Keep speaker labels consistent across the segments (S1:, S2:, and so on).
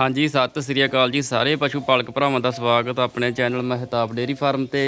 S1: हाँ जी सत श्री अकाल जी सारे पशु पालक भरावां दा स्वागत अपने चैनल महताब डेयरी फार्म ते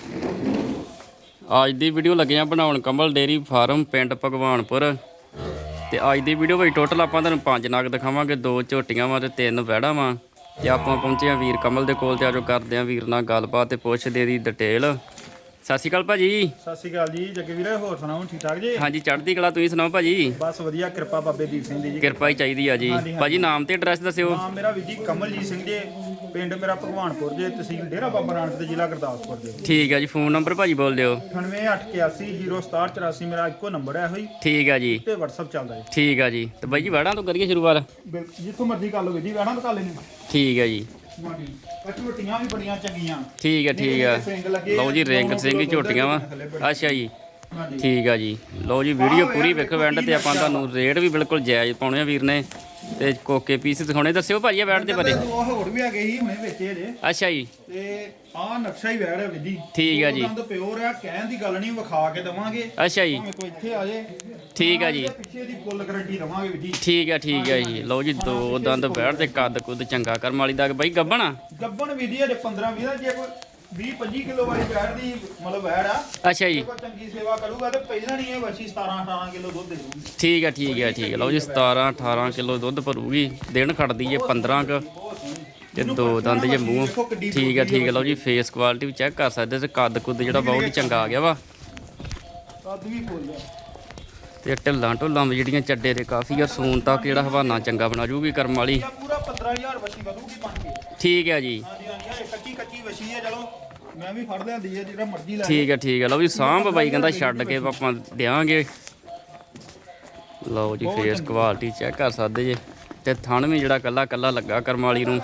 S1: अज दी वीडियो लगे आ बनाउण कमल डेयरी फार्म पिंड भगवानपुर ते अज दी वीडियो विच टोटल आपां तुहानूं 5 नग दिखावांगे 2 झोटियां वां ते 3 वैड़ां वां ते आपां पहुंचे आ वीर कमल दे कोल ते आजो करदे आ वीर नाल गलबात ते पुछदे दी डिटेल। सत श्री अकाल भाजी।
S2: सत श्री अकाल जी जगे वीर होर सुनाओ ठीक ठाक जी।
S1: हाँ जी चढ़दी कला तुसीं सुनाओ भाजी।
S2: बस वधिया कृपा बाबे दीप सिंह दी जी।
S1: किरपा ही चाहिदी आ जी। भाजी नाम ते एड्रैस दस्सिओ।
S2: नाम मेरा वीर जी कमलजीत सिंह जी पिंड मेरा भगवानपुर जे तहसील डेरा बाबा नानक ते जिला गुरदासपुर जे।
S1: ठीक है जी फोन नंबर भाजी बोल दिओ।
S2: 98810784 मेरा इक्को नंबर है होई।
S1: ठीक है जी
S2: ते WhatsApp चलदा है।
S1: ठीक है जी तो भाई जी वैड़ा तो करिए शुरुआत
S2: जिੱਥੋਂ मर्जी कर लो जी वैड़ा तो कर लेने।
S1: ठीक है जी
S2: झोटियां भी बड़ियां चंगियां।
S1: ठीक है लो जी रिंग सिंह झोटियां वा अच्छा जी ठीक है जी। लो जी वीडियो पूरी वेखो एंड ते आपां तुहानूं रेट भी बिल्कुल जायज़ पाउणे वीर ने ते कोके पीस दिखाउणे। दस्सिओ भाजी वैड़ दे बारे।
S2: ਹੋਰ ਵੀ ਹੈਗੇ ਸੀ ਹੁਣੇ ਵੇਚੇ ਜੇ।
S1: अच्छा जी
S2: ਤੇ ਆਹ ਨਕਸ਼ਾ ਹੀ ਵੈੜ ਹੈ ਵੀਰ ਜੀ।
S1: ਠੀਕ ਹੈ ਜੀ।
S2: ਦੰਦ ਪਿਓਰ ਹੈ ਕਹਿਣ ਦੀ ਗੱਲ ਨਹੀਂ ਵਿਖਾ ਕੇ ਦਵਾਂਗੇ।
S1: अच्छा जी
S2: ਭਾਵੇਂ ਕੋਈ ਇੱਥੇ ਆ ਜੇ।
S1: ठीक है जी
S2: ਪਿੱਛੇ ਦੀ ਫੁੱਲ ਗਾਰੰਟੀ ਦਵਾਂਗੇ ਵੀਰ ਜੀ।
S1: ठीक है जी। लो जी दो दंद वैड़ ते कद कुद चंगा करम वाली दा भाई गब्बन
S2: ਗੱਬਣ ਵੀਰ ਜੀ ਅਜੇ 15-20 ਜੇ ਕੋਈ 20-25 ਕਿਲੋ ਵਾਲੀ ਵੈੜ ਦੀ ਮਤਲਬ ਵੈੜ ਆ।
S1: अच्छा जी
S2: ਕੋਈ ਚੰਗੀ ਸੇਵਾ ਕਰੂਗਾ ਤੇ ਪਹਿਲਾਂ ਨਹੀਂ ਇਹ ਵੱਛੀ 17-18 ਕਿਲੋ ਦੁੱਧ ਦੇ ਦੂਗੀ।
S1: ठीक है लो जी 17-18 किलो दुध भरूगी दिन खड़दी है 15 क ਤੇ ਦੋ ਦੰਦ ਜੇ ਮੂੰਹ ਠੀਕ ਹੈ ਲਓ ਜੀ ਫੇਸ ਕੁਆਲਿਟੀ ਵੀ ਚੈੱਕ ਕਰ ਸਕਦੇ ਤੇ ਕੱਦ ਕੁੱਦ ਜਿਹੜਾ ਬਹੁਤ ਹੀ ਚੰਗਾ ਆ ਗਿਆ ਵਾ
S2: ਕੱਦ ਵੀ ਫੁੱਲ ਆ
S1: ਤੇ ਢਿੱਲਾਂ ਢੁੱਲਾਂ ਵੀ ਜਿਹੜੀਆਂ ਚੱਡੇ ਦੇ ਕਾਫੀ ਆ ਸੂਨ ਤੱਕ ਜਿਹੜਾ ਹਵਾਨਾ ਚੰਗਾ ਬਣਾ ਜੂਗੀ ਕਰਮ ਵਾਲੀ।
S2: ਪੂਰਾ 15000 ਵੱਛੀ ਵਧੂਗੀ ਬਣ ਕੇ।
S1: ਠੀਕ ਹੈ ਜੀ
S2: ਹਾਂਜੀ ਹਾਂਜੀ ਕੱਚੀ ਵੱਛੀ ਹੈ ਚਲੋ ਮੈਂ ਵੀ ਫੜ ਲਿਆਂਦੀ ਹੈ ਜਿਹੜਾ ਮਰਜ਼ੀ ਲੈ।
S1: ਠੀਕ ਹੈ ਲਓ ਜੀ ਸਾਂਭ ਬਾਈ ਕਹਿੰਦਾ ਛੱਡ ਕੇ ਆਪਾਂ ਦਿਆਂਗੇ। ਲਓ ਜੀ ਫੇਸ ਕੁਆਲਿਟੀ ਚੈੱਕ ਕਰ ਸਕਦੇ ਜੇ ਤੇ ਥਣ ਵੀ ਜਿਹੜਾ ਕੱਲਾ ਕੱਲਾ ਲੱਗਾ ਕਰਮ ਵਾਲੀ ਨੂੰ।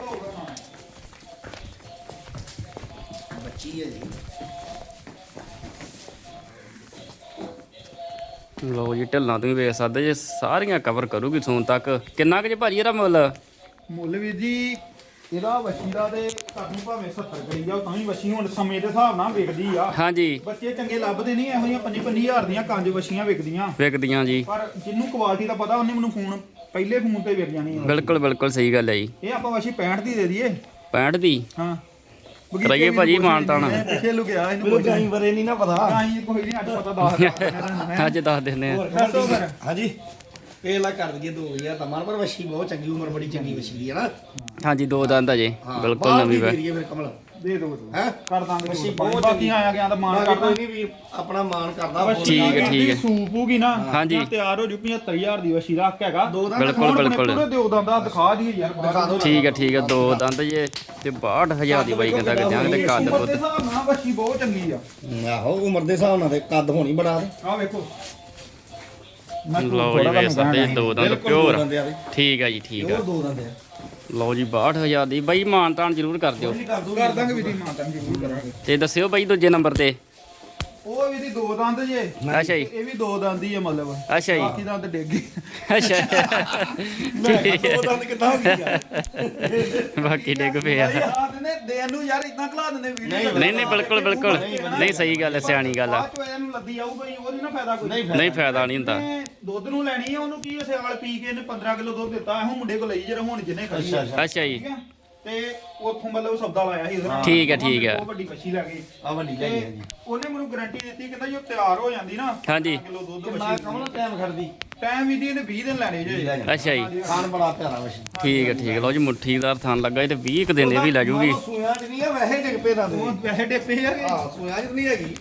S1: ਲਓ ਜੀ ਢਿੱਲਾਂ ਤੁਸੀਂ ਵੇਖ ਸਕਦੇ ਜੇ ਸਾਰੀਆਂ ਕਵਰ ਕਰੂਗੀ ਸੂਨ ਤੱਕ। ਕਿੰਨਾ ਕੁ ਜੇ ਭਾਜੀ ਇਹਦਾ
S2: ਮੁੱਲ ਵੀਰ ਜੀ ਇਹਦਾ ਵੱਛੀ ਦਾ ਤੇ ਤੁਹਾਨੂੰ ਭਾਵੇਂ 70 ਕਰੀ ਜਾਓ ਤਾਂ ਵੀ ਵੱਛੀ ਹੁਣ ਸਮੇਂ ਦੇ ਹਿਸਾਬ ਨਾਲ ਵਿਕਦੀ ਆ।
S1: ਹਾਂਜੀ
S2: ਬੱਚੇ ਚੰਗੇ ਲੱਭਦੇ ਨਹੀਂ ਇਹੋ ਜਿਹੀਆਂ 5-5000 ਦੀਆਂ ਕੰਜ ਵੱਛੀਆਂ
S1: ਵਿਕਦੀਆਂ ਜੀ
S2: ਪਰ ਜਿਹਨੂੰ ਕੁਆਲਿਟੀ ਦਾ ਪਤਾ ਉਹਨੇ ਮੈਨੂੰ ਫੋਨ ਪਹਿਲੇ ਫੋਨ ਤੇ ਵਿਕ ਜਾਣੀ ਆ।
S1: ਬਿਲਕੁਲ ਸਹੀ ਗੱਲ ਹੈ ਜੀ।
S2: ਇਹ ਆਪਾਂ ਵੱਛੀ 65 ਦੀ ਦੇ ਦਈਏ।
S1: 65 ਦੀ
S2: ਹਾਂ
S1: ਕਰਾਈਏ ਭਾਜੀ ਮਾਨ ਤਾਣਾ।
S2: ਪਿੱਛੇ ਲੁਕਿਆ ਇਹਨੂੰ
S3: ਮੈਨੂੰ ਗਾਈ ਬਰੇ ਨਹੀਂ ਨਾ ਪਤਾ।
S2: ਗਾਈ ਕੋਈ ਨਹੀਂ ਅੱਜ ਪਤਾ ਦੱਸ
S1: ਅੱਜ ਦੱਸ ਦਿੰਦੇ ਆ।
S2: ਦੱਸੋ ਫਿਰ।
S3: ਹਾਂਜੀ ਇਹ ਲਾ ਕਰ ਦਈਏ 2000 ਦਾ ਮਾਨ ਪਰ ਵਸ਼ੀ ਬਹੁਤ ਚੰਗੀ ਉਮਰ ਬੜੀ ਚੰਗੀ ਵਸ਼ੀ ਦੀ ਹੈ ਨਾ।
S1: ਹਾਂਜੀ ਦੋ ਦੰਦ ਅਜੇ ਬਿਲਕੁਲ
S3: ਬਾਹਰ
S1: ਨਵੀਂ
S3: ਵੀ
S1: ਵੈ
S3: ਦੇ ਦਈਏ ਫਿਰ ਕਮਲ
S2: ਦੇ ਦੋ
S3: ਹੈ
S2: ਕਰ ਦਾਂਗੇ
S3: ਵੱਛੀ
S2: ਬਹੁਤ
S3: ਬਹੁਤ
S2: ਬਾਕੀ ਆਇਆ ਗਿਆ ਤਾਂ ਮਾਨ
S3: ਬਾਕੀ
S2: ਕਰਦਾ
S3: ਕੋਈ ਨਹੀਂ ਵੀ ਆਪਣਾ ਮਾਨ ਕਰਦਾ।
S1: ਠੀਕ ਹੈ।
S2: ਸੂਪ ਹੋਗੀ ਨਾ
S1: ਹਾਂਜੀ।
S2: ਤਿਆਰ ਹੋ ਜੂ 75000 ਦੀ ਵਸ਼ੀ ਰੱਖ ਹੈਗਾ।
S3: ਦੋ ਦਾ
S1: ਬਿਲਕੁਲ
S2: ਪੂਰੇ ਦਿਓ ਦੰਦਾ ਦਿਖਾ ਦਈਏ ਯਾਰ
S3: ਦਿਖਾ ਦਿਓ।
S1: ਠੀਕ ਹੈ ਦੋ ਦੰਦ ਜੇ ਤੇ 62000 ਦੀ ਬਾਈ ਕਹਿੰਦਾ ਕਿ ਦਿਆਂਗੇ ਤੇ ਕੱਦ
S2: ਉਮਰ
S1: ਕੁੱਦ
S2: ਦੇ ਹਿਸਾਬ ਨਾਲ ਵਸ਼ੀ ਬਹੁਤ ਚੰਗੀ ਆ।
S3: ਆਹੋ ਉਮਰ ਦੇ ਹਿਸਾਬ ਨਾਲ ਤੇ ਕੱਦ ਹੋਣੀ ਬੜਾ ਤੇ
S2: ਆਹ ਵੇਖੋ
S1: ਲਓ ਜੀ ਵੇਖ ਸਕਦੇ ਦੋ ਦੰਦ ਪਿਓਰ।
S3: ਬੰਦੇ ਆ ਵੀ
S1: ਠੀਕ ਹੈ ਜੀ ਠੀਕ ਹੈ।
S3: ਉਹ ਦੋ ਦੰਦੇ ਆ
S1: ਲਓ ਜੀ 62000 ਦੀ ਬਾਈ ਮਾਨ ਤਾਨ ਜ਼ਰੂਰ ਕਰ ਦਿਓ।
S2: ਕਰ ਦਾਂਗੇ ਵੀਦੀ ਮਾਤਾ ਨੂੰ ਜ਼ਰੂਰ ਕਰਾਂਗੇ।
S1: ਤੇ ਦੱਸਿਓ ਬਾਈ ਦੂਜੇ ਨੰਬਰ ਤੇ।
S2: ਉਹ ਵੀਦੀ ਦੋ ਦੰਦ ਜੇ
S1: ਅੱਛਾ ਜੀ
S2: ਇਹ ਵੀ ਦੋ ਦੰਦ ਹੀ ਆ ਮਤਲਬ
S1: ਅੱਛਾ ਜੀ
S2: ਬਾਕੀ ਦੰਦ ਡਿੱਗ ਗਏ।
S1: ਅੱਛਾ
S3: ਦੋ ਦੰਦ ਕਿੱਦਾਂ ਹੋ ਗਈ ਯਾਰ।
S1: ਬਾਕੀ ਡਿੱਗ ਪਿਆ।
S2: ਆ ਦਿੰਦੇ ਦੇਣ ਨੂੰ ਯਾਰ ਇਦਾਂ ਖਲਾ ਦਿੰਦੇ ਵੀਡੀਓ।
S1: ਨਹੀਂ ਬਿਲਕੁਲ ਨਹੀਂ ਸਹੀ ਗੱਲ ਹੈ ਸਿਆਣੀ ਗੱਲ ਆ।
S2: ਬਾਅਦ ਚੋਂ ਇਹਨੂੰ ਲੱਦੀ ਆਊਗਾ ਹੀ ਉਹਦੀ ਨਾ ਫਾਇਦਾ ਕੋਈ
S1: ਨਹੀਂ ਫਾਇਦਾ ਨਹੀਂ ਹੁੰਦਾ।
S2: ਇਹਨੇ ਦੁੱਧ ਨੂੰ ਲੈਣੀ ਆ ਉਹਨੂੰ ਕੀ ਸਿਆਲ ਪੀ ਕੇ ਇਹਨੇ 15 ਕਿਲੋ ਦੁੱਧ ਦਿੱਤਾ ਇਹੋ ਮੁੰਡੇ ਕੋਲ ਲਈ ਜਿਹੜਾ ਹੁਣ ਜਿੰਨੇ ਖੜੀ ਆ।
S1: ਅੱਛਾ ਜੀ
S2: ਠੀਕ ਆ ਤੇ ਉੱਥੋਂ ਮਤਲਬ ਸੌਦਾ ਲਾਇਆ ਸੀ ਉਹਦੇ ਨਾਲ।
S1: ਠੀਕ ਹੈ।
S2: ਉਹ ਵੱਡੀ ਮੱਛੀ ਲੈ ਗਈ
S3: ਆ ਵੱਡੀ
S2: ਤੇ
S3: ਲਈ ਹੈ ਜੀ।
S2: ਉਹਨੇ ਮੈਨੂੰ ਗਾਰੰਟੀ ਦਿੱਤੀ ਕਹਿੰਦਾ ਜੋ ਤਿਆਰ ਹੋ ਜਾਂਦੀ ਨਾ
S1: ਹਾਂਜੀ।
S2: ਕਿਲੋ ਦੁੱਧ
S3: ਕਿੰਨਾ
S2: ਮੱਛੀ
S3: ਕਮਲ ਟਾਈਮ ਖੜਦੀ
S2: ਟਾਈਮ ਵੀ ਦੀ ਇਹਨੇ 20 ਦਿਨ ਲੈਣੇ ਜੇ।
S1: ਅੱਛਾ ਜੀ
S3: ਖਾਣ ਬੜਾ ਪਿਆਰਾ ਵਸ਼ੀ।
S1: ਠੀਕ ਹੈ ਲਓ ਜੀ ਮੁੱਠੀਦਾਰ ਥਣ ਲੱਗਾ ਇਹ ਤੇ 20 ਕੁ ਦਿਨ ਇਹ ਵੀ ਲੈ ਜੂਗੀ।
S3: ਸੂਆਂ ਚ ਨਹੀਂ ਆ ਵੈਸੇ ਡਿੱਗ ਪਏ ਦੰਦ
S2: ਉਹ ਪੈਸੇ ਡੇਪੇ ਆ
S3: ਹਾਂ ਸੂਆਂ ਚ ਨਹੀਂ ਹੈਗੀ।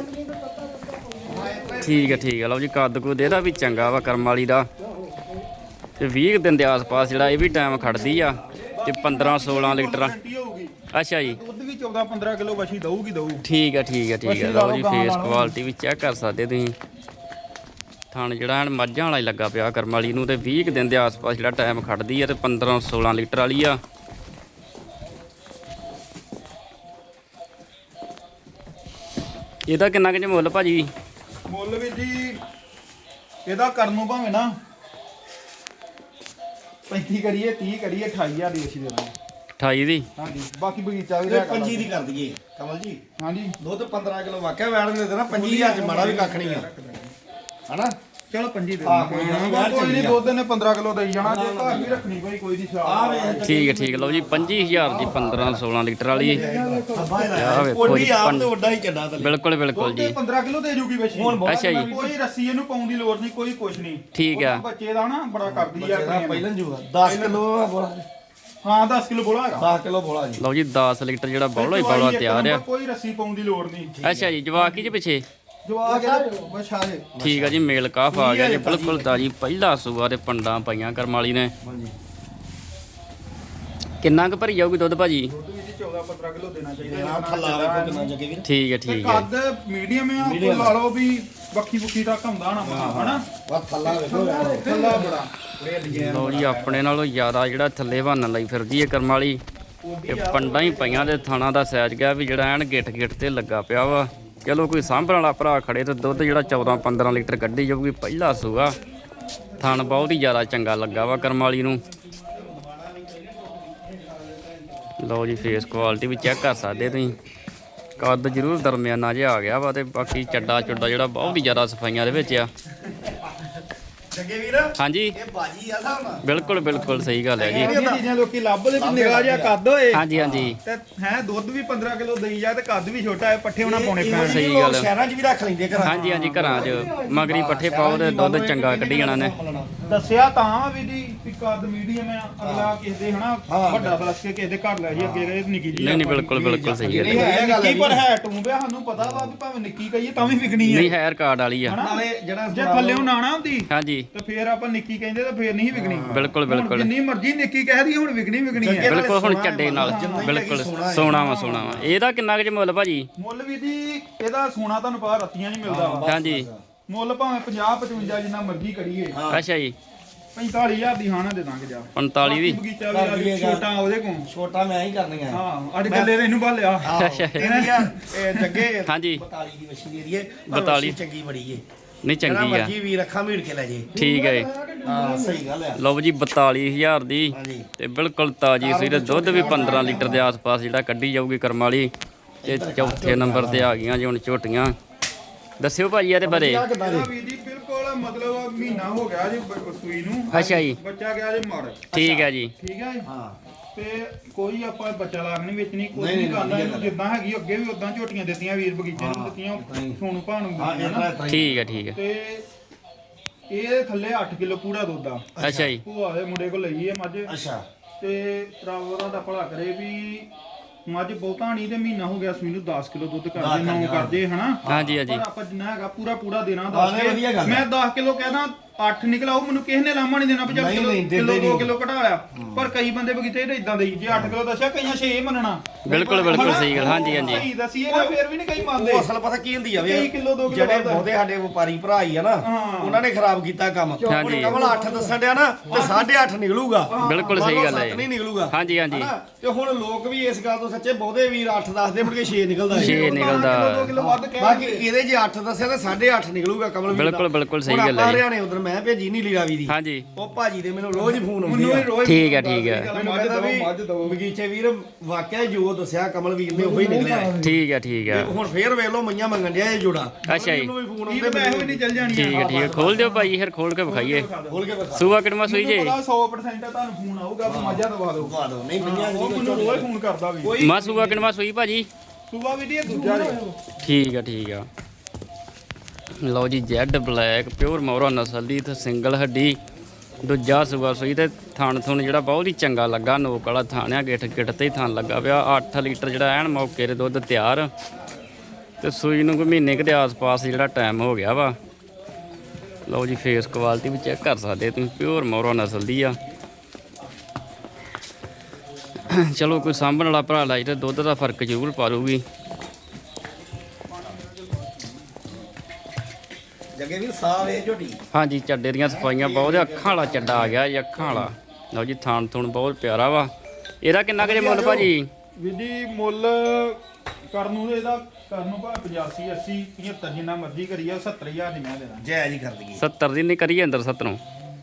S1: ਠੀਕ ਹੈ ਲਓ ਜੀ ਕੱਦ ਕੁੱਦ ਇਹਦਾ ਵੀ ਚੰਗਾ ਵਾ ਕਰਮ ਵਾਲੀ ਦਾ ਤੇ 20 ਕੁ ਦਿਨ ਦੇ ਆਸ-ਪਾਸ ਜਿਹੜਾ ਇਹ ਵੀ ਟਾਈਮ ਖੜਦੀ ਆ ਤੇ 15-16 ਲੀਟਰ।
S2: ਗਾਰੰਟੀ ਹੋਊਗੀ
S1: ਅੱਛਾ ਜੀ
S2: ਦੁੱਧ ਵੀ 14-15 ਕਿਲੋ ਵਸ਼ੀ ਦਊਗੀ ਦਊ।
S1: ਠੀਕ ਹੈ ਲਓ ਜੀ ਫੇਸ ਕੁਆਲਿਟੀ ਵੀ ਚੈੱਕ ਕਰ ਸਕਦੇ ਤੁਸੀਂ। ਥਣ ਜਿਹੜਾ ਐਨ ਮੱਝਾਂ ਵਾਲਾ ਹੀ ਲੱਗਾ ਪਿਆ ਕਰਮ ਵਾਲੀ ਨੂੰ ਤੇ 20 ਕੁ ਦਿਨ ਦੇ ਆਸ-ਪਾਸ ਜਿਹੜਾ ਟਾਈਮ ਖੜਦੀ ਆ ਤੇ 15-16 ਲੀਟਰ ਵਾਲੀ ਆ। ਇਹਦਾ ਕਿੰਨਾ ਕੁ ਮੁੱਲ ਭਾਜੀ?
S2: ਮੁੱਲ ਵੀ ਜੀ ਇਹਦਾ ਕਰਨ ਨੂੰ ਭਾਵੇਂ ਨਾ 35 ਕਰੀਏ 30 ਕਰੀਏ 28000 ਦੀ ਵਸ਼ੀ ਦੇ ਦਾਂਗੇ।
S1: 28 ਦੀ
S2: ਹਾਂਜੀ ਬਾਕੀ ਬਗੀਚਾ ਵੀ
S3: ਤੇ
S2: ਰਹਿ
S3: 25 ਦੀ ਕਰ ਦਈਏ ਕਮਲ ਜੀ।
S2: ਹਾਂਜੀ
S3: ਦੁੱਧ 15 ਕਿਲੋ ਵਾਕਿਆ ਵੈਣ ਦੇ ਦੇਣਾ 25000 ਚ ਮਾੜਾ ਵੀ ਕੱਖ ਨਹੀਂ ਆ ਹਨਾ।
S2: ਚਲੋ 25 ਦੇ
S3: ਹਾਂ, ਕੋਈ ਗੱਲ ਨੀ,
S2: ਕੋਈ ਨਹੀਂ ਦੁੱਧ ਨੇ 15 ਕਿਲੋ ਦੇਈ ਜਾਣਾ ਜੇ ਘਰ ਵੀ ਰੱਖਣੀ ਕੋਈ ਨਹੀਂ
S3: ਆ ਵੇ
S1: ਠੀਕ ਹੈ ਠੀਕ ਹੈ। ਲਓ ਜੀ 25000 ਦੀ 15-16 ਲੀਟਰ ਵਾਲੀ ਆਹ ਵੇਖੋ
S3: ਕੋਡੀ
S1: ਜੀ,
S3: ਆਪ ਤੇ ਵੱਡਾ ਹੀ ਚੱਡਾ ਥੱਲੇ।
S1: ਬਿਲਕੁਲ ਬਿਲਕੁਲ ਜੀ।
S2: 15 ਕਿਲੋ ਦੇ ਜੂਗੀ ਬੱਚੀ
S3: ਹੁਣ ਬਹੁਤ
S1: ਅੱਛਾ ਜੀ।
S2: ਕੋਈ ਰੱਸੀ ਇਹਨੂੰ ਪਾਉਣ ਦੀ ਲੋੜ ਨਹੀਂ ਕੋਈ ਕੁਛ ਨਹੀਂ
S1: ਠੀਕ ਆ।
S2: ਉਹਦਾ ਬੱਚੇ ਦਾ ਨਾ ਬੜਾ ਕਰਦੀ ਆ
S3: ਜਿਹੜਾ ਪਹਿਲਾਂ ਜੂਗਾ 10 ਕਿਲੋ ਬੋਲਾ
S2: ਹਾਂ 10 ਕਿਲੋ ਬੋਲਾ ਹੈਗਾ
S3: 10 ਕਿਲੋ ਬੋਲਾ ਜੀ।
S1: ਲਓ ਜੀ 10 ਲੀਟਰ ਜਿਹੜਾ ਬੌਲਾ ਹੀ ਬੌਲਾ ਤਿਆਰ ਆ।
S2: ਕੋਈ ਰੱਸੀ ਪਾਉਣ ਦੀ ਲੋੜ ਨਹੀਂ
S1: ਅੱਛਾ ਜੀ ਜਵਾਕ ਜੀ ਪਿੱਛੇ
S2: ਜਵਾਕ ਇਹਦੇ ਬਛਾ ਦੇ
S1: ਠੀਕ ਆ ਜੀ ਮੇਲ ਕਾਫ ਆ ਗਿਆ ਜੀ ਬਿਲਕੁਲ ਤਾਜੀ ਪਹਿਲਾ ਸੂਆ ਤੇ ਪੰਡਾਂ ਪਾਈਆਂ ਕਰਮ ਵਾਲੀ ਨੇ।
S3: ਹਾਂਜੀ
S1: ਕਿੰਨਾ ਕੁ ਭਰੀ ਜਾਊਗੀ ਦੁੱਧ ਭਾਜੀ?
S2: ਦੁੱਧ ਵੀ 14-15 ਕਿਲੋ ਦੇਣਾ ਚਾਹੀਦਾ
S3: ਆ ਥੱਲਾ ਵੇਖੋ ਕਿੰਨਾ ਜੱਗੇ ਵੀਰ।
S1: ਠੀਕ ਹੈ
S2: ਤੇ
S1: ਠੀਕ ਹੈ।
S2: ਕੱਦ ਮੀਡੀਅਮ ਆ ਕੋਈ ਲਾ ਲਓ ਵੀ ਬੱਖੀ ਬੁੱਖੀ ਤੱਕ ਹੁੰਦਾ ਨਾ ਹਨਾ
S3: ਵਾ ਥੱਲਾ ਵੇਖੋ
S2: ਥੱਲਾ ਬੜਾ
S3: ਬੜੇ ਡਿਜ਼ਾਈਨ
S1: ਲਓ ਜੀ ਆਪਣੇ ਨਾਲੋਂ ਜ਼ਿਆਦਾ ਜਿਹੜਾ ਥੱਲੇ ਬਹਾਨਾ ਲਈ ਫਿਰਦੀ ਹੈ ਕਰਮ ਵਾਲੀ। ਇਹ ਪੰਡਾਂ ਹੀ ਪਈਆਂ ਤੇ ਥਾਣਾ ਦਾ ਸਾਈਜ਼ ਗਿਆ ਵੀ ਜਿਹੜਾ ਐਨ ਗਿੱਟ ਗਿੱਟ ਤੇ ਲੱਗਾ ਪਿਆ ਵਾ। ਚਲੋ ਕੋਈ ਸਾਂਭਣ ਵਾਲਾ ਭਰਾ ਖੜੇ ਤੇ ਦੁੱਧ ਜਿਹੜਾ 14-15 ਲੀਟਰ ਕੱਢੀ ਜਾਊਗੀ ਪਹਿਲਾ ਸੂਆ। ਥਣ ਬਹੁਤ ਹੀ ਜ਼ਿਆਦਾ ਚੰਗਾ ਲੱਗਾ ਵਾ ਕਰਮ ਵਾਲੀ ਨੂੰ। ਲਓ ਜੀ ਫੇਸ ਕੁਆਲਿਟੀ ਵੀ ਚੈੱਕ ਕਰ ਸਕਦੇ ਤੁਸੀਂ। ਕੱਦ ਜ਼ਰੂਰ ਦਰਮਿਆਨਾ ਜਿਹਾ ਆ ਗਿਆ ਵਾ ਤੇ ਬਾਕੀ ਚੱਡਾ ਚੁੱਡਾ ਜਿਹੜਾ ਬਹੁਤ ਹੀ ਜ਼ਿਆਦਾ ਸਫਾਈਆਂ ਦੇ ਵਿੱਚ ਆ।
S3: ਜੱਗੇ ਵੀਰ
S1: ਹਾਂਜੀ
S3: ਇਹ ਬਾਜੀ ਆ ਸਾਹਮਣਾ
S1: ਬਿਲਕੁਲ ਬਿਲਕੁਲ ਸਹੀ ਗੱਲ ਹੈ ਜੀ।
S2: ਇਹ ਚੀਜ਼ਾਂ ਲੋਕੀ ਲੱਭਦੇ ਵੀ ਨਿਗਾਹ ਜਿਹਾ ਕੱਦ ਹੋਏ
S1: ਹਾਂਜੀ ਹਾਂਜੀ
S2: ਤੇ ਹੈ ਦੁੱਧ ਵੀ 15 ਕਿਲੋ ਦੇਈ ਜਾ ਤੇ ਕੱਦ ਵੀ ਛੋਟਾ ਹੈ ਪੱਠੇ ਉਹਨਾਂ ਪਾਉਣੇ ਪੈਣ
S1: ਸਹੀ ਗੱਲ ਹੈ।
S3: ਸ਼ਹਿਰਾਂ 'ਚ ਵੀ ਰੱਖ ਲੈਂਦੇ ਘਰਾਂ 'ਚ।
S1: ਹਾਂਜੀ ਹਾਂਜੀ ਘਰਾਂ 'ਚ ਮਗਰੀ ਪੱਠੇ ਪਾਓ ਤੇ ਦੁੱਧ ਚੰਗਾ ਕੱਢੀ ਜਾਣਾ ਨੇ।
S2: ਦੱਸਿਆ ਤਾਂ ਵੀ ਜੀ ਵੀ ਕੱਦ ਮੀਡੀਅਮ ਆ ਅਗਲਾ ਕਿਸੇ ਦੇ ਹਨਾ ਵੱਡਾ ਦੱਸ ਕੇ ਕਿਸੇ ਦੇ ਘਰ ਲੈ ਜੀ ਅੱਗੇ ਇਹ ਨਿੱਕੀ ਜੀ
S1: ਨਹੀਂ ਨਹੀਂ ਬਿਲਕੁਲ ਬਿਲਕੁਲ ਸਹੀ ਗੱਲ ਹੈ।
S2: ਨਿੱਕੀ ਪਰ ਹੈ ਟੂੰਬਿਆ ਸਾਨੂੰ ਪਤਾ ਵਾ ਵੀ ਭਾਵੇਂ ਨਿੱਕੀ ਕਹੀਏ ਤਾਂ ਵੀ ਵਿਕਣੀ ਹੈ
S1: ਨਹੀਂ ਹੈ ਰਿਕਾਰਡ ਵਾਲੀ ਆ।
S3: ਨਾਲੇ ਜਿਹੜਾ
S2: ਜੇ ਥੱਲੇੋਂ ਨਾਣਾ ਹੁੰਦੀ
S1: ਹਾਂਜੀ
S2: ਤੇ ਫੇਰ ਆਪਾਂ ਨਿੱਕੀ ਕਹਿੰਦੇ ਤਾਂ ਫੇਰ ਨਹੀਂ ਵਿਕਣੀ
S1: ਬਿਲਕੁਲ
S2: ਹੁਣ
S1: ਬਿਲਕੁਲ
S2: ਜਿੰਨੀ ਮਰਜ਼ੀ ਨਿੱਕੀ ਕਹਿ ਦਈਏ ਹੁਣ ਵਿਕਣੀ ਹੈ
S1: ਬਿਲਕੁਲ ਹੁਣ ਚੱਡੇ ਨਾਲ ਬਿਲਕੁਲ ਸੋਨਾ ਵਾ ਇਹਦਾ ਕਿੰਨਾ ਕੁ ਜੇ ਮੁੱਲ ਭਾਜੀ?
S2: ਮੁੱਲ ਵੀ ਜੀ ਇਹਦਾ ਸੋਨਾ ਤੁਹਾਨੂੰ ਪਤਾ ਰੱਤੀਆਂ ਨਹੀਂ ਮਿਲਦਾ ਵਾ
S1: ਹਾਂਜੀ
S2: ਮੁੱਲ ਭਾਵੇਂ 50-55 ਜਿੰਨਾ ਮਰਜ਼ੀ ਕਰੀਏ
S1: ਅੱਛਾ ਜੀ
S2: 45000 ਦੀ ਹਾਣਾ ਦੇ ਦਾਂਗੇ ਜਾ
S1: 45 ਦੀ
S2: ਬਗੀਚਾ ਵੀ ਆ ਜੀ, ਛੋਟਾ ਉਹਦੇ ਕੋਲ
S3: ਛੋਟਾ ਮੈਂ ਹੀ ਕਰਨੀਆਂ
S2: ਹਾਂ ਅੱਜ ਗੱਲੇ ਇਹਨੂੰ ਭਾਲਿਆ
S3: ਇਹ ਜੱਗੇ
S1: ਹਾਂਜੀ
S3: 42 ਦੀ ਮਸ਼ੀਨ ਦੀ ਏ
S1: 42
S3: ਚੰਗੀ ਬੜੀ ਏ
S1: ਨਹੀਂ
S3: ਜਿਹੜਾ
S1: ਚੰਗੀ ਆ
S3: ਮਰਜੀ ਵੀ ਰੱਖਾਂ ਮੀੜ ਕੇ ਲੈ ਜੇ
S1: ਠੀਕ ਹੈ
S3: ਹਾਂ ਸਹੀ ਗੱਲ ਆ
S1: ਲਓ ਜੀ 42000 ਦੀ
S3: ਹਾਂਜੀ
S1: ਤੇ ਬਿਲਕੁਲ ਤਾਜੀ ਸੀ ਤੇ ਦੁੱਧ ਵੀ 15 ਲੀਟਰ ਦੇ ਆਸ-ਪਾਸ ਜਿਹੜਾ ਕੱਢੀ ਜਾਊਗੀ ਕਰਮ ਵਾਲੀ। ਤੇ ਚੌਥੇ ਨੰਬਰ ਤੇ ਆ ਗਈਆਂ ਜੀ ਹੁਣ ਝੋਟੀਆਂ। ਦੱਸਿਓ ਭਾਜੀ ਇਹਦੇ ਬਾਰੇ।
S3: ਕਿੱਦਾਂ ਜੀ
S2: ਵੀ ਜੀ ਬਿਲਕੁਲ ਮਤਲਬ ਮਹੀਨਾ ਹੋ ਗਿਆ ਜੀ ਸੂਈ ਨੂੰ
S1: ਅੱਛਾ ਜੀ
S2: ਬੱਚਾ ਗਿਆ ਜੀ ਮਰ
S1: ਠੀਕ ਹੈ ਜੀ
S2: ਠੀਕ ਹੈ ਜੀ
S3: ਹਾਂ
S2: ਤੇ ਕੋਈ ਆਪਾਂ ਬੱਚਾ ਲਾਗ ਨਹੀਂ ਵੇਚਣੀ ਕੋਈ ਨਹੀਂ ਕਰਦਾ ਇਹਨੂੰ ਜਿੱਦਾਂ ਹੈਗੀ ਅੱਗੇ ਵੀ ਉਦਾਂ ਝੋਟੀਆਂ ਦਿੱਤੀਆਂ ਵੀਰ ਬਗੀਚੇ ਨੂੰ ਦਿੱਤੀਆਂ ਸੋਨੂ ਭਾਣ ਨੂੰ
S3: ਹਾਂ
S2: ਦਿੱਤੀਆਂ ਨਾ।
S1: ਠੀਕ ਹੈ ਠੀਕ ਹੈ
S2: ਤੇ ਇਹ ਥੱਲੇ 8 ਕਿਲੋ ਪੂਰਾ ਦੁੱਧ ਆ
S1: ਅੱਛਾ ਜੀ
S2: ਭੂਆ ਦੇ ਮੁੰਡੇ ਕੋਲ ਲਈ ਹੈ ਮੱਝ
S3: ਅੱਛਾ
S2: ਤੇ ਰੱਬ ਉਹਨਾਂ ਦਾ ਭਲਾ ਕਰੇ ਵੀ ਮੱਝ ਬਹੁਤਾ ਨਹੀਂ ਤੇ ਮਹੀਨਾ ਹੋ ਗਿਆ ਸੂਈ ਨੂੰ 10 ਕਿਲੋ ਦੁੱਧ ਕਰਦੇ 9 ਕਰਦੇ ਹਨਾ
S1: ਹਾਂਜੀ ਹਾਂਜੀ
S2: ਪਰ ਆਪਾਂ ਜਿੰਨਾ ਹੈਗਾ ਪੂਰਾ ਦੇਣਾ
S3: ਹਾਂ,
S2: 10
S3: ਵਧੀਆ ਗੱਲ
S2: ਮੈਂ 10 ਕਿਲੋ ਕਹਿਦਾ 8 ਨਿਕਲਾ ਉਹ ਮੈਨੂੰ ਕਿਸੇ ਨੇ ਲਾਮਾ ਨਹੀਂ ਦੇਣਾ ਵੀ ਚੱਲ
S3: ਨਹੀਂ,
S2: ਕਿਲੋ
S3: ਨਹੀਂ, ਦਿੰਦੇ
S2: ਕਿਲੋ 2
S3: ਨਹੀਂ।
S2: ਕਿਲੋ ਘਟਾ ਲਿਆ ਪਰ ਕਈ ਬੰਦੇ ਬਗੀਚੇ ਤੇ ਇਦਾਂ ਦੇਈ ਜੇ 8 ਕਿਲੋ ਦੱਸਿਆ ਕਈਆਂ 6 ਮੰਨਣਾ
S1: ਬਿਲਕੁਲ ਬਿਲਕੁਲ ਸਹੀ ਗੱਲ ਹਾਂਜੀ ਹਾਂਜੀ
S2: ਸਹੀ ਦਸੀਏ ਨਾ ਫੇਰ ਵੀ ਨਹੀਂ ਕਈ ਮੰਨਦੇ
S3: ਉਹ ਅਸਲ ਪਤਾ ਕੀ ਹੁੰਦੀ ਆ ਵੇ
S2: ਕਈ ਕਿਲੋ 2 ਕਿਲੋ
S3: ਜਿਹੜੇ ਬਹੁਤੇ ਸਾਡੇ ਵਪਾਰੀ ਭਰਾ ਹੀ ਆ ਨਾ
S2: ਹਾਂ।
S3: ਉਹਨਾਂ ਨੇ ਖਰਾਬ ਕੀਤਾ ਕੰਮ
S1: ਹਾਂਜੀ।
S3: ਹੁਣ ਕਮਲ 8 ਦੱਸਣ ਡਿਆ ਨਾ ਤੇ 8.5 ਨਿਕਲੂਗਾ
S1: ਬਿਲਕੁਲ ਸਹੀ ਗੱਲ ਹੈ।
S3: 7 ਨਹੀਂ ਨਿਕਲੂਗਾ
S1: ਹਾਂਜੀ ਹਾਂਜੀ
S3: ਹਨਾ? ਤੇ ਹੁਣ ਲੋਕ ਵੀ ਇਸ ਗੱਲ ਤੋਂ ਸੱਚੇ ਬਹੁਤੇ ਵੀਰ 8 ਦੱਸਦੇ ਮੁੜ ਕੇ 6 ਨਿਕਲਦਾ
S1: 6 ਨਿਕਲਦਾ
S2: 2 ਕਿਲੋ ਵੱਧ ਕਹਿ
S3: ਬਾਕੀ ਇਹਦੇ ਜੇ 8 ਦੱਸਿਆ ਤੇ 8.5 ਨਿਕਲੂਗਾ ਕਮਲ ਵੀਰ ਦਾ।
S1: ਬਿਲਕੁਲ ਬਿਲਕੁਲ ਸਹੀ
S3: ਹੁਣ
S1: ਗੱਲ
S3: ਆਪਾਂ
S1: ਹੈ ਜੀ।
S3: ਹਰਿਆਣੇ ਉਧਰ ਮੈਂ ਭੇਜੀ ਨਹੀਂ ਲੀਰਾਵੀ ਦੀ
S1: ਹਾਂਜੀ
S3: ਉਹ ਭਾਜੀ ਦੇ ਮੈਨੂੰ ਰੋਜ਼ ਹੀ ਫੋਨ ਆਉਂਦੇ
S2: ਮੈਨੂੰ
S3: ਆ
S2: ਵੀ ਰੋਜ਼
S1: ਠੀਕ ਹੈ ਠੀਕ ਹੈ
S3: ਮੈਨੂੰ ਕਹਿੰਦਾ ਵੀ ਬਗੀਚੇ ਵੀਰ ਵਾਕਿਆ ਜੋ ਦੱਸਿਆ ਕਮਲ ਵੀਰ ਨੇ ਉਹੀ ਨਿਕਲਿਆ ਹੈ।
S1: ਠੀਕ ਹੈ ਠੀਕ ਹੈ
S3: ਤੇ ਹੁਣ ਫੇਰ ਵੇਖ ਲਓ ਮਈਆਂ ਮੰਗਣ ਡਿਆ ਇਹ ਜੋੜਾ
S1: ਅੱਛਾ ਜੀ।
S3: ਮੈਨੂੰ ਵੀ ਫੋਨ
S2: ਇਹ
S3: ਆਉਂਦੇ
S2: ਮੈਂ ਇਹੋ ਨਹੀਂ ਚੱਲ ਜਾਣੀ
S1: ਠੀਕ ਹੈ ਠੀਕ ਹੈ ਖੋਲ ਦਿਓ ਭਾਈ ਫਿਰ ਖੋਲ ਕੇ ਵਿਖਾਈਏ
S3: ਖੋਲ ਕੇ ਬਤਾ
S1: ਸੂਆ ਕਿੜਮਾ ਸੂਈ ਜੇ
S2: 100% ਆ ਤੁਹਾਨੂੰ ਫੋਨ ਆਊਗਾ ਵੀ ਮੱਝਾਂ ਦਵਾ ਦਿਓ
S3: ਦਵਾ ਦਿਓ ਨਹੀਂ ਮਈਆਂ
S2: ਉਹ ਮੈਨੂੰ ਰੋਜ਼ ਫੋਨ ਕਰਦਾ ਵੀ
S1: ਮਾ ਸੂਆ ਕਿੜਮਾ ਸੂਈ ਭਾਜੀ
S2: ਸੁਬਾ ਵੀ ਦੀ ਦੂਜਾ ਜੀ
S1: ਠੀਕ ਆ ਲਓ ਜੀ ਜੈਡ ਬਲੈਕ ਪਿਓਰ ਮੌਰਾ ਨਸਲ ਦੀ ਤੇ ਸਿੰਗਲ ਹੱਡੀ ਦੂਜਾ ਸੂਆ ਸੂਈ ਤੇ ਥਣ ਥੁਣ ਜਿਹੜਾ ਬਹੁਤ ਹੀ ਚੰਗਾ ਲੱਗਾ ਨੋਕ ਵਾਲਾ ਥਣ ਆ ਗਿੱਠ ਗਿੱਠ ਤੇ ਹੀ ਥਣ ਲੱਗਾ ਪਿਆ 8 ਲੀਟਰ ਜਿਹੜਾ ਐਨ ਮੌਕੇ ਦੇ ਦੁੱਧ ਤਿਆਰ ਤੇ ਸੂਈ ਨੂੰ ਕੋਈ ਮਹੀਨੇ ਕੁ ਦੇ ਆਸ-ਪਾਸ ਜਿਹੜਾ ਟਾਈਮ ਹੋ ਗਿਆ ਵਾ ਲਓ ਜੀ ਫੇਸ ਕੁਆਲਿਟੀ ਵੀ ਚੈੱਕ ਕਰ ਸਕਦੇ ਤੁਸੀਂ ਪਿਓਰ ਮੌਰਾ ਨਸਲ ਦੀ ਆ ਚਲੋ ਕੋਈ ਸਾਂਭਣ ਵਾਲਾ ਭਰਾ ਲਾਈ ਤੇ ਦੁੱਧ ਦਾ ਫਰਕ ਜ਼ਰੂਰ ਪਾਰੂਗੀ
S3: ਜੱਗੇ ਵੀ ਸਾਹ ਵੇ ਝੋਟੀ
S1: ਹਾਂਜੀ ਚੱਡੇ ਦੀਆਂ ਸਫਾਈਆਂ ਬਹੁਤ ਆ, ਅੱਖਾਂ ਵਾਲਾ ਚੱਡਾ ਆ ਗਿਆ ਜੀ ਅੱਖਾਂ ਵਾਲਾ ਲਓ ਜੀ ਥਾਣ ਥੁਣ ਬਹੁਤ ਪਿਆਰਾ ਵਾ ਇਹਦਾ ਕਿੰਨਾ ਕੁ ਜੇ ਮੁੱਲ ਭਾਜੀ
S2: ਵਿਧੀ ਮੁੱਲ ਕਰਨ ਨੂੰ ਇਹਦਾ ਕਰਨ ਨੂੰ ਭਾਵੇਂ 85 80 75 ਜਿੰਨਾ ਮਰਜ਼ੀ ਕਰੀਏ 70000 ਦੀ ਮੈਂ ਦੇਣਾ
S3: ਜੈ ਜੀ ਕਰ ਦਈਏ
S1: 70 ਦੀ ਨਹੀਂ ਕਰੀਏ ਅੰਦਰ 70 ਨੂੰ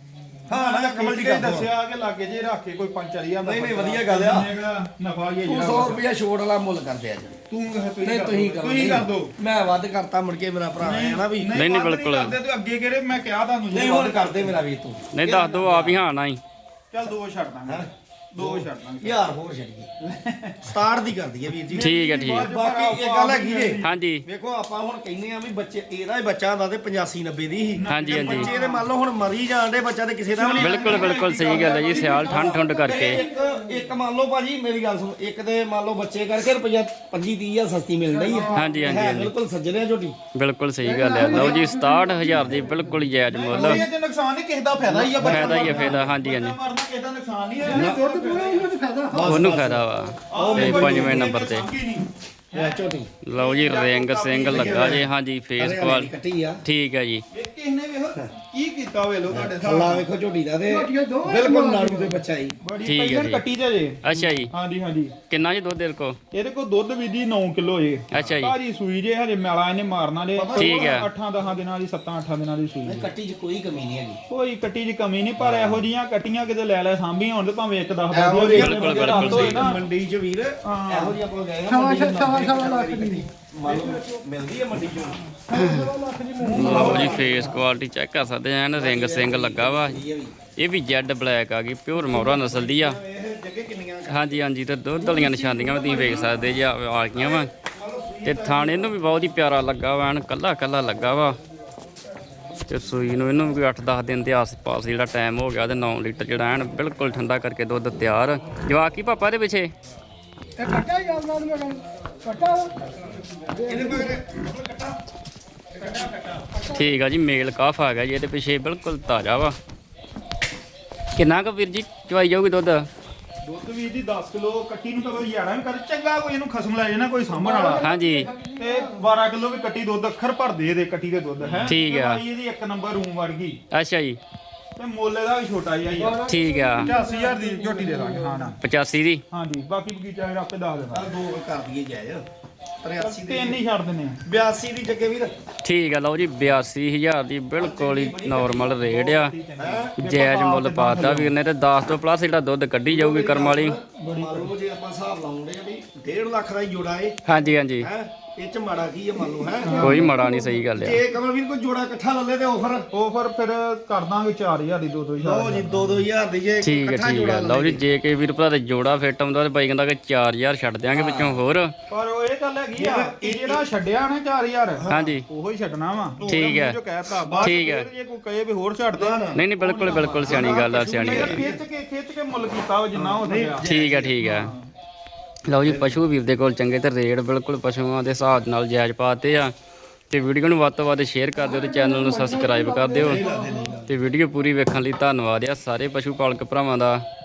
S3: ਹਾਂ ਨਾ ਕਮਲ ਜੀ
S2: ਇਹ ਦੱਸਿਆ ਕਿ ਲਾਗੇ ਜੇ ਰੱਖ ਕੇ ਕੋਈ 5-4000
S3: ਨਹੀਂ, ਵਧੀਆ ਗੱਲ ਆ।
S2: ਨਫਾ ਹੀ ਹੈ
S3: ਤੂੰ 100 ਰੁਪਿਆ ਛੋੜ ਵਾਲਾ ਮੁੱਲ ਕਰਦੇ ਅੱਜ
S2: ਤੂੰ
S3: ਨਹੀਂ ਤੁਸੀਂ ਕਰੋ
S2: ਤੁਸੀਂ ਕਰ ਦੋ
S3: ਮੈਂ ਵੱਧ ਕਰਤਾ ਮੁੜ ਕੇ ਮੇਰਾ ਭਰਾ ਹੈ ਨਾ ਵੀ
S1: ਨਹੀਂ,
S2: ਵੱਧ
S1: ਬਿਲਕੁਲ।
S2: ਕਰਦੇ ਤੂੰ ਅੱਗੇ ਕਿਹੜੇ ਮੈਂ ਕਿਹਾ ਤੁਹਾਨੂੰ
S3: ਨਹੀਂ ਹੁਣ ਕਰਦੇ ਮੇਰਾ ਵੀਰ ਤੂੰ
S1: ਨਹੀਂ ਦੱਸ ਦੋ ਆਪ ਹੀ ਹਾਂ ਨਾ ਹੀ
S2: ਚੱਲ 2 ਛੱਡ ਦਾਂਗੇ 2 ਛੱਡ ਦਾਂਗੇ
S3: ਯਾਰ ਹੋਰ ਛੱਡੀਏ 67 ਦੀ ਕਰ ਦਈਏ ਵੀਰ ਜੀ
S1: ਠੀਕ ਹੈ ਠੀਕ ਹੈ।
S3: ਬਾਕੀ ਇਹ ਗੱਲ ਹੈਗੀ ਜੇ
S1: ਹਾਂਜੀ
S3: ਵੇਖੋ ਆਪਾਂ ਹੁਣ ਕਹਿੰਦੇ ਆ ਵੀ ਬੱਚੇ ਇਹਦਾ ਹੀ ਬੱਚਾ ਹੁੰਦਾ ਤੇ 85-90 ਦੀ ਸੀ
S1: ਹਾਂਜੀ,
S3: ਤੇ
S1: ਹਾਂਜੀ।
S3: ਬੱਚੇ ਦੇ ਮੰਨ ਲਓ ਹੁਣ ਮਰੀ ਜਾਂਦੇ ਬੱਚਾ ਤੇ ਕਿਸੇ ਦਾ ਵੀ ਨਹੀਂ
S1: ਬਿਲਕੁਲ ਬਿਲਕੁਲ ਸਹੀ ਗੱਲ ਹੈ ਜੀ ਸਿਆਲ ਠੰਡ ਕਰਕੇ
S3: ਇੱਕ ਮੰਨ ਲਓ ਭਾਜੀ ਮੇਰੀ ਗੱਲ ਸੁਣੋ ਇੱਕ ਤੇ ਮੰਨ ਲਓ ਬੱਚੇ ਕਰਕੇ ਰੁਪਈਆ 25-30 ਸਸਤੀ ਮਿਲ ਰਹੀ ਹੈ
S1: ਹਾਂਜੀ, ਹਾਂਜੀ,
S3: ਹੈ
S1: ਹਾਂਜੀ।
S3: ਬਿਲਕੁਲ ਸੱਜਣਿਆ ਝੋਟੀ
S1: ਬਿਲਕੁਲ ਸਹੀ ਗੱਲ ਹੈ ਲਓ ਜੀ 67000 ਦੀ ਬਿਲਕੁਲ ਹੀ ਜਾਇਜ਼ ਮੁੱਲ
S2: ਇਹ ਜੇ ਨੁਕਸਾਨ ਨਹੀਂ ਕਿਸੇ ਦਾ ਫਾਇਦਾ ਹੀ ਆ ਬੱਚਾ
S1: ਫਾਇਦਾ ਹੀ ਹੈ ਫਾਇਦਾ ਹਾਂਜੀ ਹਾਂਜੀ
S2: ਮਰਨਾ ਕਿਸੇ ਦਾ ਨੁਕਸਾਨ ਨਹੀਂ ਹੈ
S1: ਉਹਨੂੰ ਫਾਇਦਾ ਵਾ ਤੇ 5ਵੇਂ ਨੰਬਰ ਤੇ
S3: ਇਹ ਝੋਟੀ
S1: ਲਓ ਜੀ ਰਿੰਗ ਸਿੰਘ ਲੱਗਾ ਜੀ ਹਾਂਜੀ ਫੇਸ ਕੁਆਲ
S3: ਕੱਟੀ ਆ
S1: ਠੀਕ ਹੈ ਜੀ
S2: ਇਹ ਕਿਸ ਨੇ ਵੇਖੋ ਕੀ ਕੀਤਾ ਹੋਵੇ ਲੋ ਤੁਹਾਡੇ
S3: ਥੱਲਾ ਵੇਖੋ ਝੋਟੀ ਦਾ ਤੇ ਬਿਲਕੁਲ ਨਾੜੂ ਦੇ ਬੱਚਾ ਹੀ
S2: ਬੜੀ
S1: ਠੀਕ ਹੈ
S2: ਪਹਿਲਾਂ
S1: ਜੀ।
S2: ਕੱਟੀ ਜੇ ਜੇ
S1: ਅੱਛਾ ਜੀ
S2: ਹਾਂਜੀ ਹਾਂਜੀ
S1: ਕਿੰਨਾ ਜੀ ਦੁੱਧ ਦੇ ਕੋ
S2: ਇਹਦੇ ਕੋਲ ਦੁੱਧ ਵੀ ਦੀ 9 ਕਿਲੋ ਜੇ
S1: ਅੱਛਾ ਜੀ
S2: ਭਾਜੀ ਸੂਈ ਜੇ ਹਜੇ ਮੈਲਾ ਇਹਨੇ ਮਾਰਨਾ ਜੇ
S1: ਠੀਕ ਹੈ।
S2: 8-10 ਦਿਨਾਂ ਦੀ 7-8 ਦਿਨਾਂ ਦੀ ਸੂਈ ਜੇ।
S3: ਕੱਟੀ 'ਚ ਕੋਈ ਕਮੀ ਨਹੀਂ ਹੈਗੀ
S2: ਕੋਈ ਕੱਟੀ ਦੀ ਕਮੀ ਨਹੀਂ ਪਰ ਇਹੋ ਜੀਆਂ ਕੱਟੀਆਂ ਕਿਤੇ ਲੈ ਲੈ ਸਾਂਭੀਆਂ ਹੋਣ ਤੇ ਭਾਵੇਂ ਇੱਕ 10
S3: ਇਹੋ ਜਿਹੀ
S1: ਬਿਲਕੁਲ, ਬਿਲਕੁਲ ਸਹੀ।
S3: ਮੰਡੀ 'ਚ ਵੀਰ ਇਹੋ ਜਿਹੀ ਆਪਾਂ ਗਏ ਹਾਂ ਮੰਡੀ 'ਚ ਸਵਾ ਲੱਖ ਦੀ ਮੰਨ ਲਓ ਮਿਲਦੀ ਹੈ ਮੰਡੀ 'ਚ
S1: ਲਓ ਜੀ ਫੇਸ ਕੁਆਲਿਟੀ ਚੈੱਕ ਕਰ ਸਕਦੇ ਆ ਐਨ ਰਿੰਗ ਸਿੰਘ ਲੱਗਾ ਵਾ
S3: ਇਹ ਵੀ
S1: ਇਹ ਵੀ ਜੈਡ ਬਲੈਕ ਆ ਗਈ ਪਿਓਰ ਮੌਰਾ ਨਸਲ ਦੀ ਆ
S3: ਇਹ ਜੱਗੇ ਕਿੰਨੀਆਂ
S1: ਹਾਂਜੀ ਹਾਂਜੀ ਤੇ ਦੁੱਧ ਵਾਲੀਆਂ ਨਿਸ਼ਾਨੀਆਂ ਵੀ ਤੁਸੀਂ ਵੇਖ ਸਕਦੇ ਜੀ ਆ ਗਈਆਂ ਵਾ ਤੇ ਥਾਣ ਇਹਨੂੰ ਵੀ ਬਹੁਤ ਹੀ ਪਿਆਰਾ ਲੱਗਾ ਵਾ ਐਨ ਕੱਲਾ ਕੱਲਾ ਲੱਗਾ ਵਾ ਤੇ ਸੂਈ ਨੂੰ ਇਹਨੂੰ ਵੀ 8-10 ਦਿਨ ਦੇ ਆਸ-ਪਾਸ ਜਿਹੜਾ ਟਾਈਮ ਹੋ ਗਿਆ ਤੇ 9 ਲੀਟਰ ਜਿਹੜਾ ਐਨ ਬਿਲਕੁਲ ਠੰਡਾ ਕਰਕੇ ਦੁੱਧ ਤਿਆਰ ਜਵਾਕ ਕੀ ਪਾਪਾ ਦੇ ਪਿੱਛੇ
S3: ਇਹਦੇ ਕੋਲ
S1: ਠੀਕ ਆ ਜੀ ਮੇਲ ਕਾਫ ਆ ਗਿਆ ਜੀ ਇਹਦੇ ਪਿੱਛੇ ਬਿਲਕੁਲ ਤਾਜ਼ਾ ਵਾ ਕਿੰਨਾ ਕੁ ਵੀਰ ਜੀ ਚਵਾਈ ਜਾਊਗੀ ਦੁੱਧ
S2: ਦੁੱਧ ਵੀ ਦੀ 10 ਕਿਲੋ ਕੱਟੀ ਨੂੰ ਤਾਂ ਕੋਈ ਯਾਰਾ ਵੀ ਕਰ ਚੰਗਾ ਕੋਈ ਇਹਨੂੰ ਖਸਮ ਲੈ ਜੇ ਨਾ ਕੋਈ ਸਾਂਭਣ ਵਾਲਾ
S1: ਹਾਂਜੀ
S2: ਤੇ 12 ਕਿਲੋ ਵੀ ਕੱਟੀ ਦੁੱਧ ਅੱਖਰ ਭਰ ਦੇ ਇਹਦੇ ਕੱਟੀ ਦੇ ਦੁੱਧ ਹੈ
S1: ਠੀਕ ਆ।
S2: ਇਹਦੀ ਇੱਕ ਨੰਬਰ ਰੂਮ ਵਰਗੀ
S1: ਅੱਛਾ ਜੀ
S2: ਤੇ ਮੁੱਲ ਇਹਦਾ ਵੀ ਛੋਟਾ ਜਿਹਾ ਹੀ ਆ
S1: ਠੀਕ ਆ
S2: 85000 ਦੀ ਝੋਟੀ ਦੇ ਦਾਂਗੇ ਹਾਂ ਨਾ
S1: 85 ਦੀ
S2: ਹਾਂਜੀ ਬਾਕੀ ਬਗੀਚਾ ਫਿਰ ਆਪੇ ਦੱਸ ਦੇਣਾ
S3: ਦੋ ਕਰ ਦਈਏ ਜਾਇਜ਼ 83
S2: ਤੇ ਇੰਨੀ ਛੱਡ ਦਿੰਨੇ ਆ
S3: 82 ਦੀ ਜੱਗੇ ਵੀਰ
S1: ਠੀਕ ਆ ਲਓ ਜੀ 82000 ਦੀ ਬਿਲਕੁਲ ਹੀ ਨਾਰਮਲ ਰੇਟ ਆ ਜਾਇਜ਼ ਮੁੱਲ ਪਾਤਾ ਵੀਰ ਨੇ ਤੇ 10 ਤੋਂ ਪਲੱਸ ਜਿਹੜਾ ਦੁੱਧ ਕੱਢੀ ਜਾਊਗੀ ਕਰਮ ਵਾਲੀ
S3: ਮੰਨ ਲਓ ਜੇ ਆਪਾਂ ਹਿਸਾਬ ਲਾਉਂਦੇ ਆ ਵੀ 1.5 ਲੱਖ ਦਾ ਹੀ ਜੋੜਾ ਏ
S1: ਹਾਂਜੀ ਹਾਂਜੀ
S3: ਹੈ ਇਹ ਚ ਮਾੜਾ ਕੀ ਹੈ ਮੰਨ ਲਓ ਹੈ
S1: ਕੋਈ ਮਾੜਾ ਨਹੀਂ ਸਹੀ ਗੱਲ ਆ
S3: ਜੇ ਕਮਲਵੀਰ ਕੋਈ ਜੋੜਾ ਇਕੱਠਾ ਲੱਲੇ ਤੇ ਆਫਰ
S2: ਫਿਰ ਕਰ ਦਾਂਗੇ 4000 ਦੀ 2-2000
S3: ਲਓ ਜੀ 2-2000 ਦੀ ਜੇ
S1: ਠੀਕ ਹੈ
S3: ਇਕੱਠਾ
S1: ਠੀਕ
S3: ਜੋੜਾ
S1: ਹੈ ਲਓ ਜੀ ਜੇ ਕੇ ਵੀਰ ਭਰਾ ਦੇ ਜੋੜਾ ਫਿੱਟ ਆਉਂਦਾ ਤੇ ਬਾਈ ਕਹਿੰਦਾ ਕਿ 4000 ਛੱਡ ਦਿਆਂਗੇ ਵਿੱਚੋਂ ਹੋਰ
S2: ਪਰ ਉਹ ਇਹ ਗੱਲ ਹੈਗੀ ਆ ਇਹ ਜਿਹੜਾ ਛੱਡਿਆ ਨਾ 4000
S1: ਹਾਂਜੀ
S2: ਉਹੋ ਹੀ ਛੱਡਣਾ ਵਾ
S1: ਠੀਕ ਹੈ।
S2: ਜੋ ਕਹਿਤਾ ਬਾਅਦ
S1: ਠੀਕ ਹੈ।
S2: ਜੇ ਕੋਈ ਕਹੇ ਵੀ ਹੋਰ ਛੱਡ ਦੇ
S1: ਨਹੀਂ ਨਹੀਂ ਬਿਲਕੁਲ ਬਿਲਕੁਲ ਸਿਆਣੀ ਗੱਲ ਆ ਸਿਆਣੀ ਗੱਲ
S2: ਖਿੱਚ ਕੇ ਮੁੱਲ ਕੀਤਾ ਉਹ ਜਿੰਨਾ ਹੋ ਸਕਿਆ
S1: ਠੀਕ ਹੈ ਠੀਕ ਹੈ ਲਓ ਜੀ ਪਸ਼ੂ ਵੀਰ ਦੇ ਕੋਲ ਚੰਗੇ ਤੇ ਰੇਟ ਬਿਲਕੁਲ ਪਸ਼ੂਆਂ ਦੇ ਹਿਸਾਬ ਨਾਲ ਜਾਇਜ਼ ਪਾਤੇ ਆ ਤੇ ਵੀਡੀਓ ਨੂੰ ਵੱਧ ਤੋਂ ਵੱਧ ਸ਼ੇਅਰ ਕਰ ਦਿਓ ਤੇ ਚੈਨਲ ਨੂੰ ਸਬਸਕ੍ਰਾਈਬ ਕਰ ਦਿਓ ਤੇ ਵੀਡੀਓ ਪੂਰੀ ਵੇਖਣ ਲਈ ਧੰਨਵਾਦ ਆ ਸਾਰੇ ਪਸ਼ੂ ਪਾਲਕ ਭਰਾਵਾਂ ਦਾ